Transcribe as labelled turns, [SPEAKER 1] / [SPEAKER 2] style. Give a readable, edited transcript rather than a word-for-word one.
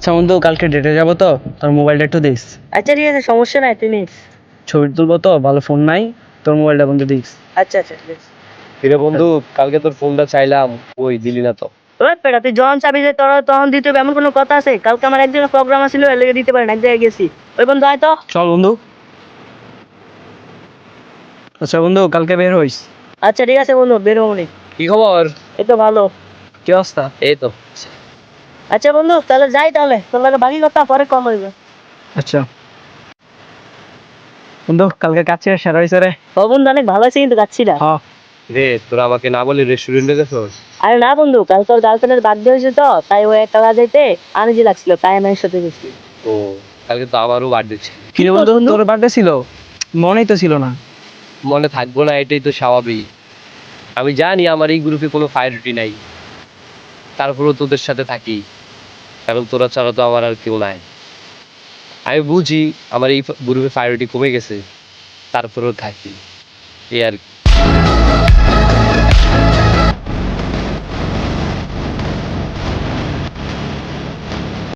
[SPEAKER 1] আচ্ছা বন্ধু, কালকে ডেটে যাবো তো, তোর মোবাইলটা একটু দিস।
[SPEAKER 2] আচ্ছা ঠিক আছে, সমস্যা নাই, তুই নিস।
[SPEAKER 1] ছবি তুলবো তো, ভালো ফোন নাই, তোর মোবাইলটা বন্ধু দিস।
[SPEAKER 2] আচ্ছা আচ্ছা ঠিক আছে।
[SPEAKER 3] কিরে বন্ধু, কালকে তোর ফোনটা চাইলাম, ওই দিলি না তো।
[SPEAKER 2] ওই পেটা, তুই যখন চাবি যে তোর তখন দিতে হবে এমন কোনো কথা আছে? কালকে আমার একজনের প্রোগ্রাম ছিল, এর লেগে দিতে পারেন, এক জায়গায় গেছি। ওই বন্ধু আয় তো।
[SPEAKER 1] চল বন্ধু। আচ্ছা বন্ধু, কালকে বের হইস।
[SPEAKER 2] আচ্ছা ঠিক আছে বন্ধু, বেরোবো নি।
[SPEAKER 3] কি খবর?
[SPEAKER 2] এই তো ভালো।
[SPEAKER 1] কি অবস্থা?
[SPEAKER 3] এই তো।
[SPEAKER 2] আচ্ছা বন্ধু, তাহলে যাই, তাহলে তোর লাগে বাকি কথা পরে কম হইবে।
[SPEAKER 1] আচ্ছা বন্ধু, কালকে কাছে সেরা হয়েছে রে।
[SPEAKER 2] ও বন্ধু, অনেক ভালো আছে কিন্তু যাচ্ছি না।
[SPEAKER 1] হ্যাঁ।
[SPEAKER 3] রে, তোরা আমাকে না বলি রেস্টুরেন্টে গেছস?
[SPEAKER 2] আরে না বন্ধু, কাল তোর গার্লফ্রেন্ডের বার্থডে হয়েছে তো, তাই ওই একটা যাইতে আনইজি লাগছিল, তাই আমি ওর সাথে গেছি।
[SPEAKER 3] ও, কালকে তো আমারও বার্থডে ছিল।
[SPEAKER 1] কি রে বন্ধু, তোর বার্থডে ছিল? মনেই তো ছিল না।
[SPEAKER 3] মনে থাকবো না, এটাই তো স্বাভাবিক। আমি জানি আমার এই গ্রুপে কোনো প্রায়োরিটি নাই, তারপরেও তোদের সাথে থাকি, কারণ তোরা ছাড়া তো আমার আর কেউ নাই। আমি বুঝি আমার এই গ্রুপে প্রায়োরিটি কমে গেছে, তারপরেও থাকি, এই আর কি।